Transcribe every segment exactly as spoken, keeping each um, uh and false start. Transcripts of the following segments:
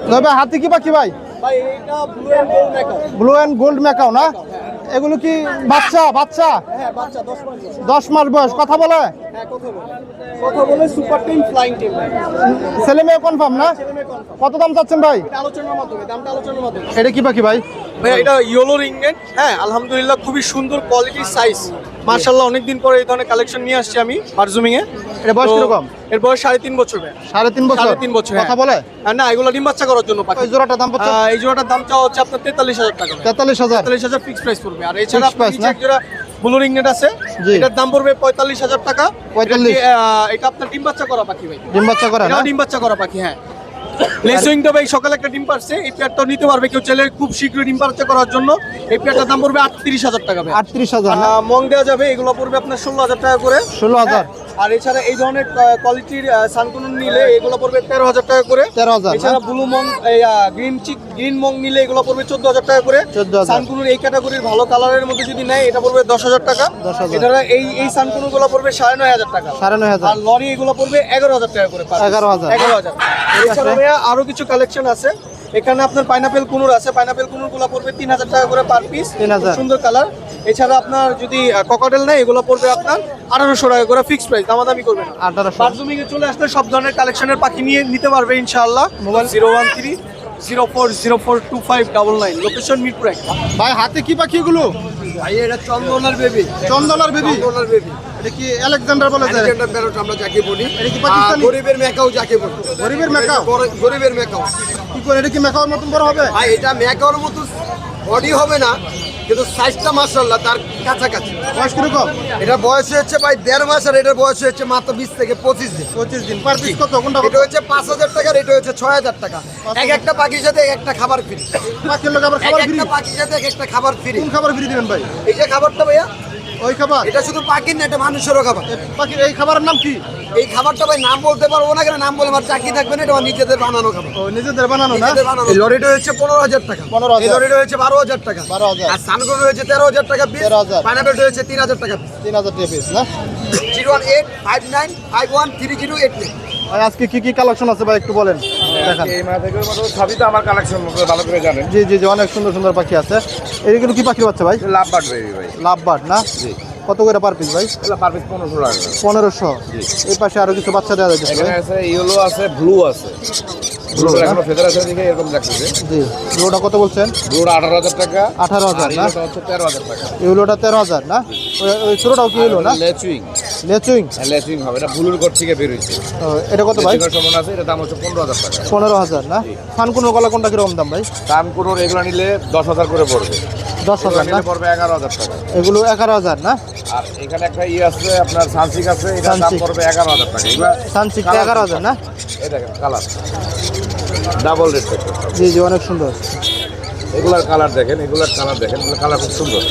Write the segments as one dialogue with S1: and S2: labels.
S1: তবে হাতি কি পাখি ভাই?
S2: ভাই এটা blue and gold macaw.
S1: Blue and gold macaw না? এগুলো কি বাচ্চা বাচ্চা?
S2: হ্যাঁ বাচ্চা দশ মাস বয়স।
S1: দশ মাস বয়স। কথা বলে?
S2: হ্যাঁ কথা বলে। কথা বলে সুপার টিম ফ্লাইং টিম ভাই।
S1: ছেলে মেয়ে কনফার্ম না?
S2: ছেলে মেয়ে কনফার্ম।
S1: কত দাম চাচ্ছেন ভাই?
S2: এটা আলোচনার মাধ্যমে, দামটা আলোচনার মাধ্যমে।
S1: এটা কি পাখি ভাই?
S2: ভাই এটা ইয়েলো রিংনেট। হ্যাঁ আলহামদুলিল্লাহ খুবই সুন্দর কোয়ালিটির সাইজ। মাশাআল্লাহ অনেকদিন পরে এই ধরনের কালেকশন নিয়ে আসছি আমি বারজুমিং এ।
S1: এটা বয়স কিরকম?
S2: এর বয়স সাড়ে তিন বছর ভাই।
S1: সাড়ে তিন বছর?
S2: সাড়ে তিন বছর।
S1: কথা বলে?
S2: না এগুলো ডিম বাচ্চা করার জন্য পাখি।
S1: এই জোড়াটার দাম কত?
S2: এই জোড়াটার দাম চাওয়া হচ্ছে আপনার তেতাল্লিশ হাজার টাকা।
S1: তেতাল্লিশ হাজার?
S2: তেতাল্লিশ হাজার ফিক্স প্রাইস পড়বে। আর এছাড়া
S1: Fixed price
S2: নিচে
S1: না?
S2: এক জোড়া ব্লু রিংনেট আছে, এটার দাম পড়বে পঁয়তাল্লিশ হাজার টাকা।
S1: পঁয়তাল্লিশ?
S2: এটা কি, আহ, এটা আপনার ডিম বাচ্চা করা পাখি ভাই।
S1: ডিম বাচ্চা করে না?
S2: এটাও ডিম বাচ্চা করা পাখি। হ্যাঁ লেসুইংটা ভাই সকালে একটা ডিম পারছে, এই পেয়ারটাও নিতে পারবে কেউ চাইলে খুব শীঘ্রই ডিম বাচ্চা করার জন্য। এই পেয়ারটার দাম পড়বে আটত্রিশ হাজার টাকা ভাই।
S1: আটত্রিশ হাজার?
S2: আহ, মং দেওয়া যাবে, এগুলো পড়বে আপনার ষোলো হাজার টাকা করে।
S1: ষোলো হাজার?
S2: আর এছাড়া এই ধরনের কোয়ালিটির সানকুনুন নিলে এগুলো পড়বে তেরো হাজার টাকা করে।
S1: তেরো হাজার?
S2: এছাড়া ব্লু মং গ্রিন চিক গ্রিন মং নিলে এগুলো পড়বে চোদ্দ হাজার টাকা করে।
S1: চোদ্দ হাজার?
S2: সানকুনুর এই ক্যাটাগরির ভালো কালারের মধ্যে যদি নেয় এটা পড়বে দশ হাজার টাকা।
S1: দশ হাজার?
S2: এছাড়া এই এই সানকুনুর গুলো পড়বে সাড়ে নয় হাজার টাকা।
S1: সাড়ে নয় হাজার?
S2: আর লরি এগুলো পড়বে এগারো হাজার টাকা করে।
S1: এগারো হাজার?
S2: এগারো হাজার। এছাড়া ভাইয়া আরো কিছু কালেকশন আছে এখানে। আপনার পাইনাপেল কুনুর আছে, পাইনাপেল কুনুর গুলো পড়বে তিন হাজার টাকা করে পার পিস।
S1: তিন হাজার?
S2: সুন্দর কালার। এছাড়া আপনার যদি ককাটেল নেয় এগুলো পড়বে আপনার আঠারোশো টাকা করে ফিক্সড প্রাইস, দামাদামি করবে না।
S1: আঠারোশো?
S2: বারজুমিং এ চলে আসলে সব ধরনের কালেকশনের পাখি নিয়ে নিতে পারবে ইনশাআল্লাহ। Mobile zero one three zero four zero four two five double nine, location Mirpur এক।
S1: ভাই হাতে কি পাখি এগুলো?
S2: ভাই এটা চন্দনার বেবি।
S1: চন্দনার বেবি?
S2: চন্দনার বেবি।
S1: এটা কি আলেকজান্ডার বলে যায়?
S2: আলেকজান্ডার প্যারট আমরা যাকে বলি।
S1: এটা কি পাকিস্তানি?
S2: গরিবের মেকাও যাকে বলি।
S1: গরিবের মেকাও?
S2: গরিবের মেকাও।
S1: কি করে এটা কি মেকাওর মতন বড় হবে?
S2: ভাই এটা মেকাওর মতো বডি হবে না, কিন্তু সাইজটা মাশাআল্লাহ তার কাছাকাছি।
S1: বয়স কিরকম?
S2: এটা বয়স হচ্ছে ভাই দেড় মাস, আর এটার বয়স হচ্ছে মাত্র বিশ থেকে পঁচিশ দিন।
S1: পঁচিশ দিন? পার পিস কত? কোনটা কত?
S2: এটা হচ্ছে পাঁচ হাজার টাকা, এটা হচ্ছে ছয় হাজার টাকা। এক একটা পাখির সাথে এক একটা খাবার ফ্রি।
S1: পাখির লোক আবার
S2: এক
S1: খাবার ফ্রি?
S2: একটা পাখির সাথে এক একটা খাবার ফ্রি।
S1: কোন খাবার ফ্রি দিবেন ভাই?
S2: এই যে খাবারটা ভাইয়া,
S1: ওই খাবার?
S2: এটা শুধু পাখির না, এটা মানুষেরও খাবার।
S1: পাখির এই খাবারের নাম কি?
S2: এই খাবারটা ভাই নাম বলতে পারবো না, কেন নাম বলে আমার চাকরি থাকবে না। এটা আমার নিজেদের বানানো খাবার।
S1: ও নিজেদের বানানো না?
S2: নিজেদের বানানো। এই লরিটা হচ্ছে পনেরো হাজার টাকা।
S1: পনেরো হাজার?
S2: এই লরিটা হচ্ছে বারো হাজার টাকা।
S1: বারো হাজার?
S2: আর সানকুন হচ্ছে তেরো হাজার টাকা পিস।
S1: তেরো হাজার?
S2: পাইনাপেলটা হচ্ছে তিন হাজার টাকা পিস।
S1: তিন হাজার টাকা পিস না?
S2: Zero one eight five nine five one three zero eight nine.
S1: ভাই আজকে কি কি কালেকশন আছে ভাই একটু বলেন, দেখান।
S3: এই মাথাগুলোর মতো সবই তো আমার কালেকশন ভালো করে জানেন।
S1: জি জি জি, অনেক সুন্দর সুন্দর পাখি আছে। এইগুলো কি পাখির বাচ্চা ভাই?
S3: লাভ বাট বেবি ভাই।
S1: লাভ বার্ড না?
S3: জি।
S1: কত করে পার পিস ভাই?
S3: এগুলো পার পিস পনেরোশো টাকা।
S1: পনেরোশো? এই পাশে আরো কিছু বাচ্চা দেওয়া যাচ্ছে
S3: এখানে আছে ইয়েলো আছে, ব্লু আছে। ব্লু এখনো ফেদার আছে দিকে এরকম লাগতেছে।
S1: জি। ব্লুটা কত বলছেন?
S3: ব্লুটা আঠারো হাজার টাকা।
S1: আঠারো হাজার
S3: আর
S1: না?
S3: ইয়েলোটা হচ্ছে তেরো হাজার টাকা।
S1: এগুলোটা তেরো হাজার না? ওই- ওই ছোটটাও কি হলো না?
S3: লেচুইং।
S1: লেচুইং?
S3: হ্যাঁ লেচুইং হবে, এটা ব্লুর কোট থেকে বের হয়েছে।
S1: ও, এটা কত ভাই?
S3: লেচুইংয়ের সমান আছে, এটা দাম হচ্ছে পনেরো হাজার টাকা।
S1: পনেরো হাজার না? ফানকুনো গলা কোনটা কিরকম দাম ভাই?
S3: দাম কোনো এগুলো নিলে দশ হাজার করে পড়বে।
S1: দশ হাজার না?
S3: নিলে পড়বে এগারো হাজার টাকা।
S1: এগুলো এগারো হাজার না?
S3: আর এখানে একটা ইয়ে আছে আপনার সানসিক আছে, এটার দাম
S1: সানসিক?
S3: পড়বে এগারো হাজার টাকা। এগুলো
S1: সানসিকটা এগারো হাজার না?
S3: এই দেখেন কালার ডাবল রেড থাকে।
S1: জি জি, অনেক সুন্দর।
S3: এগুলার কালার দেখেন, এগুলার কালার দেখেন, এগুলো কালার খুব সুন্দর।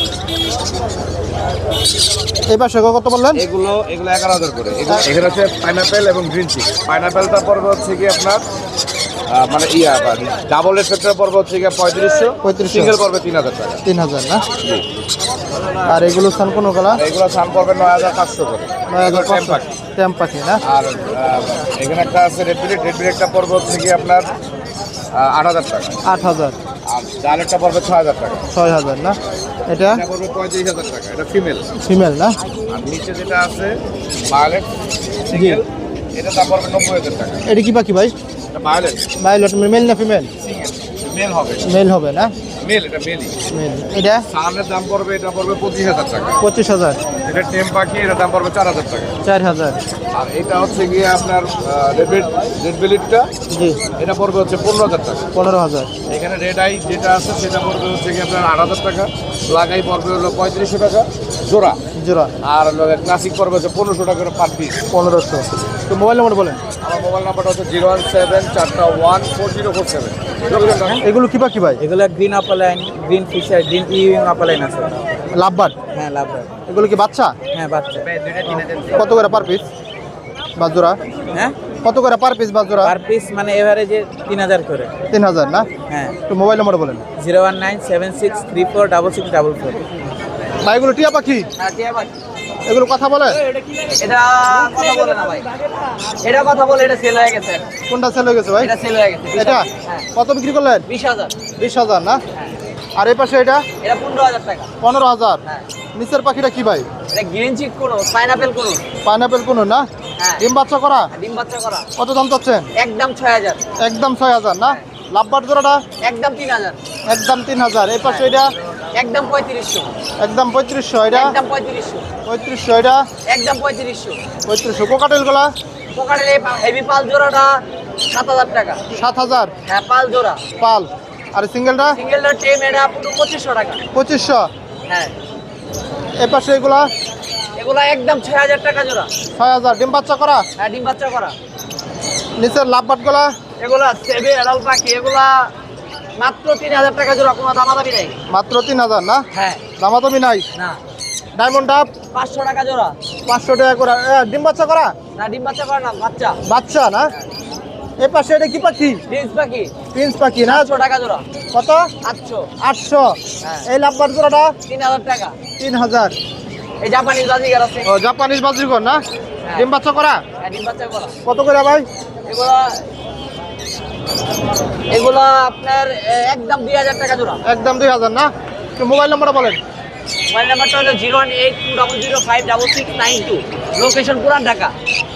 S1: এই পাশে কত বললেন?
S3: এগুলো এগুলো এগারো হাজার করে। এগুলো এখানে হচ্ছে পাইনাপেল এবং গ্রিন চিক। পাইনাপেলটা পড়বে হচ্ছে কি আপনার আহ, মানে ইয়া ডাবল রেড ফ্যাক্টর পড়বে হচ্ছে কি পঁয়ত্রিশশো।
S1: পঁয়ত্রিশশো?
S3: সিঙ্গেল পড়বে তিন হাজার টাকা।
S1: তিন হাজার না? আর এগুলো সানকুনো গলা?
S3: আর এগুলো সান পড়বে নয় হাজার পাঁচশো করে।
S1: নয় হাজার
S3: এগুলো
S1: পাঁচশো?
S3: পাখি।
S1: ট্যাম্প পাখি না?
S3: আর আহ, এখানে একটা আছে রেড বিলেট। রেড বিলেটটা পড়বে হচ্ছে কি আপনার আহ, আট হাজার টাকা।
S1: আট হাজার?
S3: আর জালেটটা পড়বে ছয় হাজার টাকা।
S1: ছয় হাজার না? এটা
S3: এটা পড়বে পঁয়ত্রিশ হাজার টাকা। এটা ফিমেল।
S1: ফিমেল না?
S3: আর নিচে যেটা আছে ভায়োলেট সিঙ্গেল, এটা দাম পড়বে নব্বই হাজার টাকা।
S1: এটা কি পাখি ভাই?
S3: এটা ভায়োলেট
S1: ভায়োলেট মেল না ফিমেল?
S3: সিঙ্গেল, মেল হবে।
S1: মেল হবে না?
S3: মেল, এটা মেলই।
S1: মেল। এটা
S3: সানের দাম পড়বে, এটা পড়বে পঁচিশ হাজার টাকা।
S1: পঁচিশ হাজার?
S3: এটা টেম পাখি, এটা দাম পড়বে চার হাজার টাকা।
S1: চার হাজার?
S3: আর এটা হচ্ছে গিয়ে আপনার রেড রেড বেলিটটা,
S1: জি।
S3: এটা পড়বে হচ্ছে পনেরো হাজার টাকা।
S1: পনেরো হাজার?
S3: এখানে রেড আই যেটা আছে সেটা পড়বে হচ্ছে গিয়ে আপনার আট হাজার টাকা। লাগাই পড়বে হলো পঁয়ত্রিশশো টাকা জোড়া।
S1: জোড়া?
S3: আর ক্লাসিক পড়বে হচ্ছে পনেরোশো টাকা করে পার পিস।
S1: পনেরোশো? তো মোবাইল নাম্বার বলেন।
S3: আমার মোবাইল নাম্বারটা হচ্ছে জিরো ওয়ান সেভেন চারটা one four zero four seven.
S1: এগুলো কি পাখি ভাই?
S4: এগুলো green opaline, green Fischer, green euwing opaline আছে।
S1: লাভবার্ড?
S4: হ্যাঁ লাভ।
S1: এগুলো কি বাচ্চা?
S4: হ্যাঁ বাচ্চা।
S1: কত করে পার পিস বাজোরা?
S4: হ্যাঁ
S1: কত করে পার পিস বাজোরা?
S4: পার পিস মানে এভারেজে তিন হাজার করে।
S1: তিন হাজার না?
S4: হ্যাঁ।
S1: তো মোবাইল নাম্বার বলেন।
S4: Zero one nine seven six three four double six double four.
S1: ভাই এগুলো টিয়া পাখি?
S4: হ্যাঁ টিয়া পাখি।
S1: এগুলো কথা বলে?
S4: এটা কথা বলে না ভাই, এটা কথা বলে, এটা সেল হয়ে গেছে।
S1: কোনটা সেল হয়ে গেছে ভাই?
S4: এটা সেল হয়ে গেছে।
S1: এটা
S4: হ্যাঁ
S1: কত বিক্রি করলেন?
S4: বিশ হাজার।
S1: বিশ হাজার না?
S4: হ্যাঁ।
S1: আর এই পাশে এটা
S4: এটা পনেরো হাজার টাকা।
S1: পনেরো হাজার।
S4: হ্যাঁ।
S1: নিচের পাখিটা কি ভাই?
S4: এটা গ্রিন চিক কোনো, পাইনাপেল কোনো।
S1: পাইনাপেল কোনো না?
S4: হ্যাঁ।
S1: ডিম বাচ্চা করা?
S4: ডিম বাচ্চা করা।
S1: কত দাম চাচ্ছেন?
S4: একদম ছয় হাজার।
S1: একদম ছয় হাজার না? লাভবার জোড়াটা?
S4: একদম তিন হাজার।
S1: একদম তিন হাজার। এই পাশে এটা
S4: একদম পঁয়ত্রিশশো।
S1: একদম পঁয়ত্রিশশো। এটা
S4: একদম পঁয়ত্রিশশো।
S1: পঁয়ত্রিশশো। এটা
S4: একদম পঁয়ত্রিশশো।
S1: পঁয়ত্রিশশো। কোকাটেল গুলা?
S4: পোকারের এই হেভি পাল জোড়াটা সাত হাজার টাকা।
S1: সাত হাজার।
S4: হ্যাঁ পাল জোড়া।
S1: পাল। আর সিঙ্গেলটা?
S4: সিঙ্গেলটা টেম এটা পুরো পঁচিশশো টাকা।
S1: পঁচিশশো।
S4: হ্যাঁ।
S1: এই পাশে এগুলা?
S4: এগুলা একদম ছয় হাজার টাকা জোড়া।
S1: ছয় হাজার। ডিম বাচ্চা করা?
S4: হ্যাঁ ডিম বাচ্চা করা।
S1: নিচের লাভবাট গুলা?
S4: এগুলা সেবে এড়াল পাখি, এগুলা মাত্র তিন হাজার টাকা জোড়া, কোনো দামাদামি নেই।
S1: মাত্র তিন হাজার না?
S4: হ্যাঁ।
S1: দামাদামি নাই?
S4: না।
S1: ডায়মন্ড ডাব?
S4: পাঁচশো টাকা জোড়া।
S1: পাঁচশো টাকা করে। এ, ডিম বাচ্চা করা?
S4: না ডিম বাচ্চা করে না, বাচ্চা।
S1: বাচ্চা না? এই পাশে এটা কি পাখি?
S4: প্রিন্স পাখি।
S1: প্রিন্স পাখি না?
S4: আটশো টাকা জোড়া।
S1: কত?
S4: আটশো।
S1: আটশো।
S4: হ্যাঁ।
S1: এই লাভবার জোড়াটা?
S4: তিন হাজার টাকা।
S1: তিন হাজার।
S4: এই জাপানি বাজিগার আছে।
S1: ও জাপানিজ বাজিকর না? ডিম বাচ্চা করা?
S4: হ্যাঁ ডিম বাচ্চা করা।
S1: কত করে ভাই?
S4: এগুলা এগুলা আপনার এ, একদম দুই হাজার টাকা জোড়া।
S1: একদম দুই হাজার না? একটু মোবাইল নাম্বারটা বলেন।
S4: মোবাইল নাম্বারটা হলো zero one eight two double zero five double six nine two. Location Puran Dhaka.